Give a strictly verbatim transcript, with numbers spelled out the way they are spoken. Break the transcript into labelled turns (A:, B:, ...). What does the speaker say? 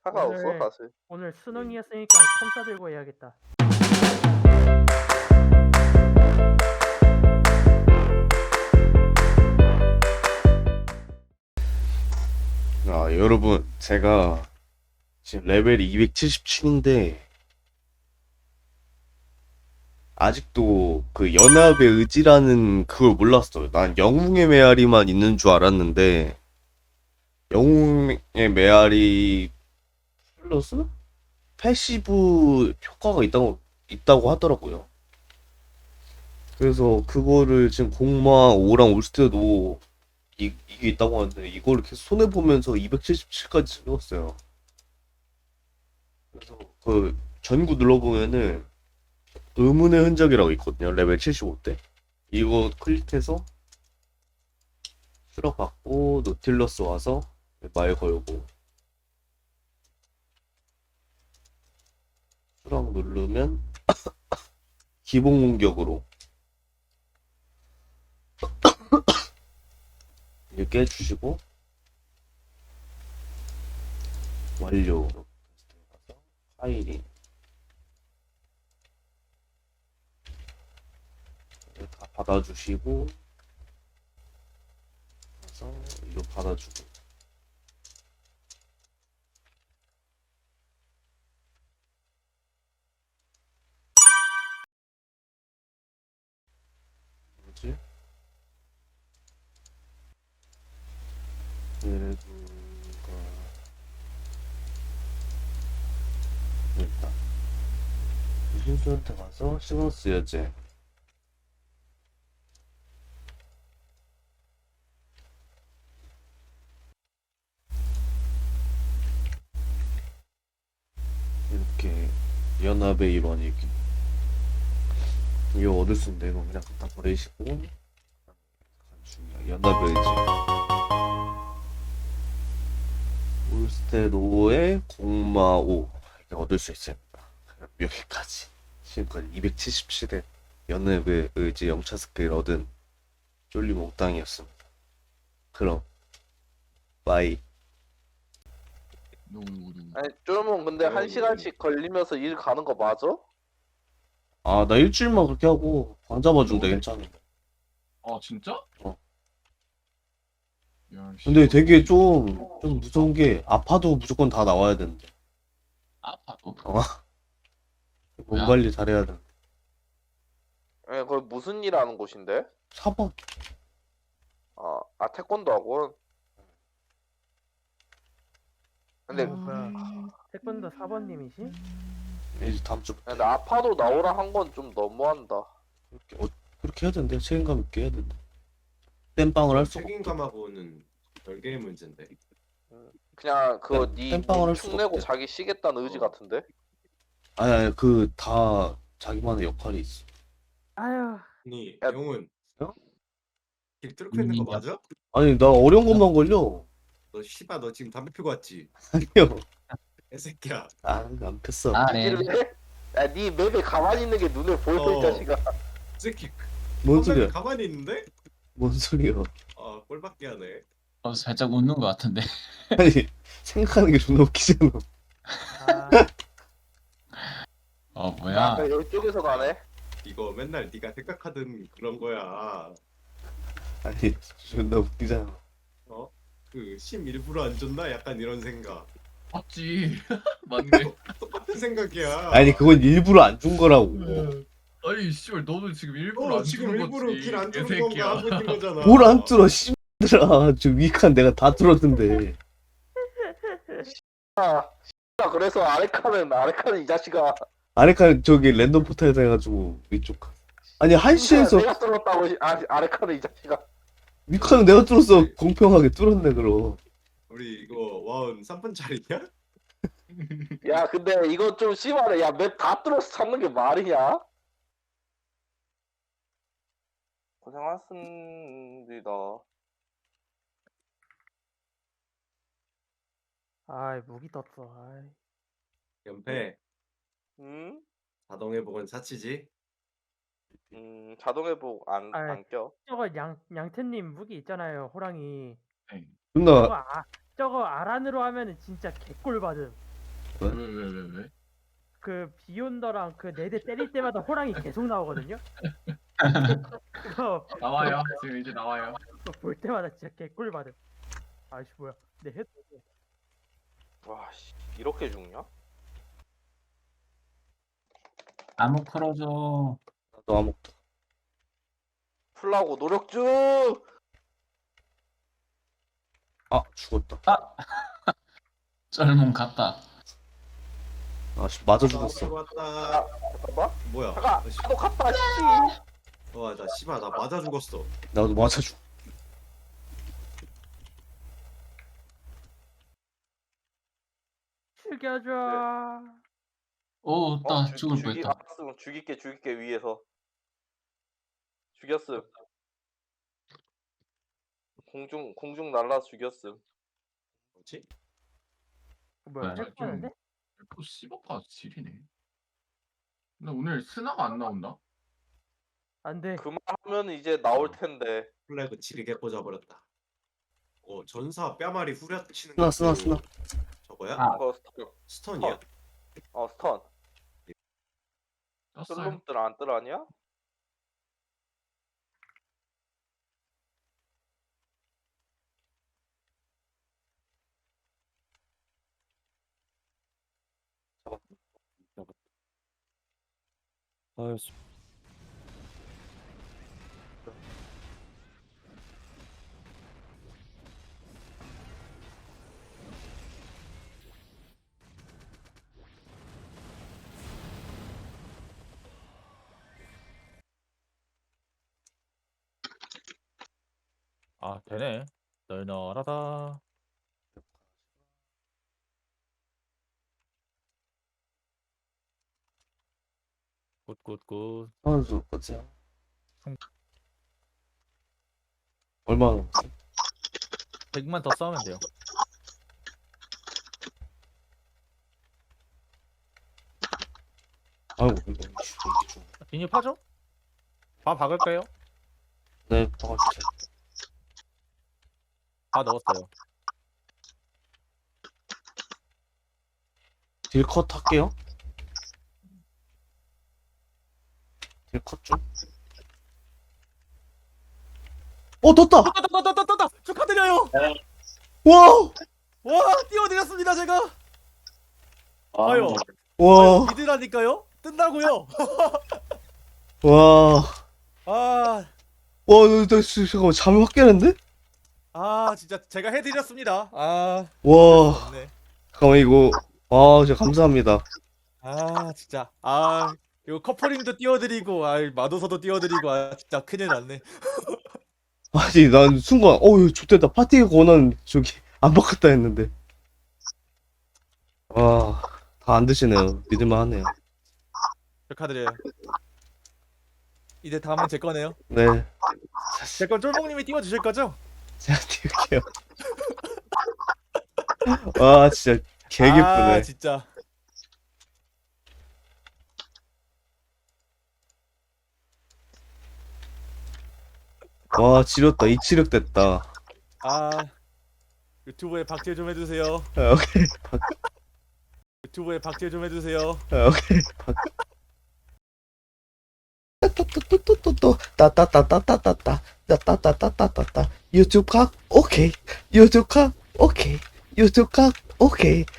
A: 상관없어
B: 오늘
A: 사실.
B: 오늘
C: 음.
B: 수능이었으니까 컴싸 들고 해야겠다.
C: 아, 여러분, 제가 지금 레벨이 이백칠십칠인데, 아직도 그 연합의 의지라는 그걸 몰랐어요. 난 영웅의 메아리만 있는 줄 알았는데, 영웅의 메아리 플러스 패시브 효과가 있다고, 있다고 하더라고요. 그래서 그거를 지금 공마 오랑 올 때도 이, 이게 있다고 하는데, 이거를 계속 손해보면서 이백칠십칠까지 찍었어요. 그래서 그 전구 눌러보면은 의문의 흔적이라고 있거든요. 레벨 칠십오 때. 이거 클릭해서 수락 받고 노틸러스 와서 말 걸고 수락 누르면 기본 공격으로 이렇게 해주시고 완료. 파일이 다 받아주시고 그래서 이거 받아주고 뭐지? 그래도가 일단 유신수한테 가서 신경 쓰여지. 이렇게 연합의 일원이기. 이거 얻을 수 있는데 이거 그냥 갖다 버리시고 중요한 연합의 의지 올스테로의 공마오 이렇게 얻을 수 있습니다. 여기까지 지금까지 이백칠십칠회 연합의 의지 영차 스킬 얻은 쫄리 몽땅이었습니다. 그럼 빠이.
D: 누구 누구 누구.
A: 아니 쫄면 근데
C: 어,
A: 한 시간씩 걸리면서 일 가는 거 맞아?
C: 아, 나 일주일만 그렇게 하고 방 잡아준대. 괜찮아.
D: 아 진짜?
C: 어.
D: 야, 씨,
C: 근데
D: 뭐-
C: 되게 좀, 좀 무서운 게 아파도 무조건 다 나와야 되는데.
D: 아파도.
C: 어. 몸
D: 뭐야?
C: 관리 잘해야 돼.
A: 예, 거기 무슨 일 하는 곳인데?
C: 사 번.
A: 아, 아 태권도 학원. 근데
B: 뭐야? 태권도 사 번님이시?
C: 이제 다음 주
A: 근데 아파도 나오라 한 건 좀 너무한다.
C: 그렇게, 어, 그렇게 해야 된대. 책임감 있게 해야 된대. 땜빵을 할 수가 없대.
E: 책임감하고는 별개의 문제인데.
A: 그냥 그거
C: 땜-
A: 니
C: 땜빵을 할
A: 축
C: 수가
A: 내고
C: 없대.
A: 자기 쉬겠다는 의지
E: 어.
A: 같은데?
C: 아니, 아니, 그, 다 자기만의 역할이 있어.
B: 아유,
E: 아니
A: 야.
E: 영훈.
C: 어?
E: 길 뚫고 있는 거
D: 음, 야.
E: 맞아?
C: 아니, 나 어려운 것만 걸려.
E: 너 씨발 너 지금 담배 피고 왔지?
C: 아니요.
E: 애새끼야.
C: 아, 안 폈어.
D: 아 네.
A: 일을 해? 야, 니 맵에 가만히 있는 게 눈에 보여, 이
E: 어.
A: 자식아.
E: 이 새끼
C: 뭔
E: 선배님
C: 소리야?
E: 가만히 있는데?
C: 뭔 소리야?
E: 아 꼴밖에 하네.
D: 어, 살짝 웃는 것 같은데.
C: 아니, 생각하는 게 존나 웃기잖아.
B: 아,
D: 어
A: 야,
D: 뭐야?
A: 이쪽에서 가네.
E: 이거 맨날 네가 생각하던 그런 거야.
C: 아니, 존나 웃기잖아.
E: 어? 그 심 일부러 안 줬나? 약간 이런 생각.
F: 맞지. 맞네.
E: 똑같은 생각이야.
C: 아니, 그건 일부러 안 준 거라고.
F: 아니 씨발 너도 지금 일부러
E: 어
F: 안
E: 지금
F: 주는
E: 일부러
F: 거지.
E: 길 안 뚫는
F: 개새끼야.
E: 건가 하고 있는 거잖아.
C: 뭘 안 뚫어, 씨들아. 저 위칸 내가 다 뚫었는데.
A: 야, 그래서 아레카는, 아레카는 이 자식아.
C: 아래칸 저기 랜덤 포탈에다 해가지고 위쪽 칸. 아니, 한시에서
A: 내가 뚫었다고, 아, 아레카는 이 자식아.
C: 위칸은 내가 뚫었어. 공평하게 뚫었네, 그럼.
E: 우리 이거 와운 삼 분짜리냐?
A: 야, 근데 이거 좀 심하네. 야, 맵 다 뚫어서 찾는 게 말이냐? 고생하셨습니다.
B: 아이 무기 떴어. 아이.
E: 연패.
A: 음?
E: 자동 회복은 사치지.
A: 음, 자동 회복 안,
B: 아이.
A: 안 껴.
B: 저거 양 양태님 무기 있잖아요, 호랑이.
D: 네.
B: 저거
C: 존나,
B: 아, 저거 아란으로 하면은 진짜 개꿀 받음.
D: 왜, 왜, 왜, 왜?
B: 그 비욘더랑 그 네 대 때릴 때마다 호랑이 계속 나오거든요. 그거
F: 나와요. 지금 이제 나와요.
B: 그거 볼 때마다 진짜 개꿀 받음. 아이씨 뭐야? 내 헤드.
A: 와씨 이렇게 죽냐?
D: 암흑 풀어줘.
C: 나도 아무것도.
A: 풀라고 노력 중.
C: 아 죽었다.
D: 아! 썰문 갔다.
C: 아씨 맞아 죽었어.
E: 왔다.
A: 잠깐만.
E: 뭐야?
A: 잠깐.
E: 아, 씨.
A: 나도 갔다. 씨.
E: 와, 나 씨발 나 맞아 죽었어.
C: 나도 맞아 죽.
B: 죽여줘.
D: 오,
A: 어,
D: 나
A: 죽-
D: 죽을
A: 죽이
D: 뻔했다.
A: 알았음. 죽일게 죽일게 위에서. 죽였음. 공중 공중 날라 죽였음.
E: 뭐지?
B: 뭐야?
D: 네,
B: 헬프하는데?
F: 또 씹어가 지리네. 근데 오늘 스나가 안 나온다.
B: 안돼.
A: 그만하면 이제 나올 텐데.
E: 플래그 지르게 꽂아버렸다. 어, 전사 뼈마리 후려치는
C: 쓰나
E: 거
C: 쓰나 쓰나.
E: 저거야?
D: 아.
A: 그거 스턴.
E: 스턴이야?
A: 어 스턴.
F: 떴어요.
A: 슬럼들 안 뜨라냐?
C: 아유
G: 아 되네. 널널하다. 굿굿굿.
C: 선수 거지.
G: 성-
C: 얼마나 남았어?
G: 백만 더 싸우면 돼요.
C: 아이고 이거 이게 좀.
G: 진입하죠? 바 박을까요?
C: 네 박아주세요.
G: 다 넣었어요.
C: 딜컷 할게요. 딜컷 좀. 어 떴다.
G: 떴다 떴다 떴다 떴다. 축하드려요.
C: 와.
G: 와 띄워드렸습니다 제가. 아유.
C: 와.
G: 믿으라니까요. 뜬다고요.
C: 와.
G: 아.
C: 와, 나, 나 진짜 잠깐만 잠이 확 깨는데?
G: 아 진짜 제가 해드렸습니다. 아.
C: 와,
G: 네.
C: 잠깐만 이거. 아, 진짜 감사합니다.
G: 아 진짜. 아 이거 커플링도 띄워드리고, 아 마도서도 띄워드리고, 아 진짜 큰일 났네.
C: 아니, 난 순간, 어우, 좋됐다. 파티 권한 저기 안 바꿨다 했는데. 와, 다 안 드시네요. 믿을만 하네요.
G: 축하드려요. 이제 다음은 제 거네요.
C: 네,
G: 제 건 쫄봉님이 띄워주실 거죠?
C: 제가 띄울게요. 와, 진짜 개 기쁘네.
G: 아 진짜.
C: 와, 지렸다. 이치력 됐다.
G: 아 유튜브에 박제 좀 해주세요.
C: 아, 오케이.
G: 유튜브에 박제 좀 해주세요.
C: 아, 오케이. 또또또또또또 따따따따따따따 따따따따따따 유튜브 각 오케이 유튜브 각 오케이 유튜브 각 오케이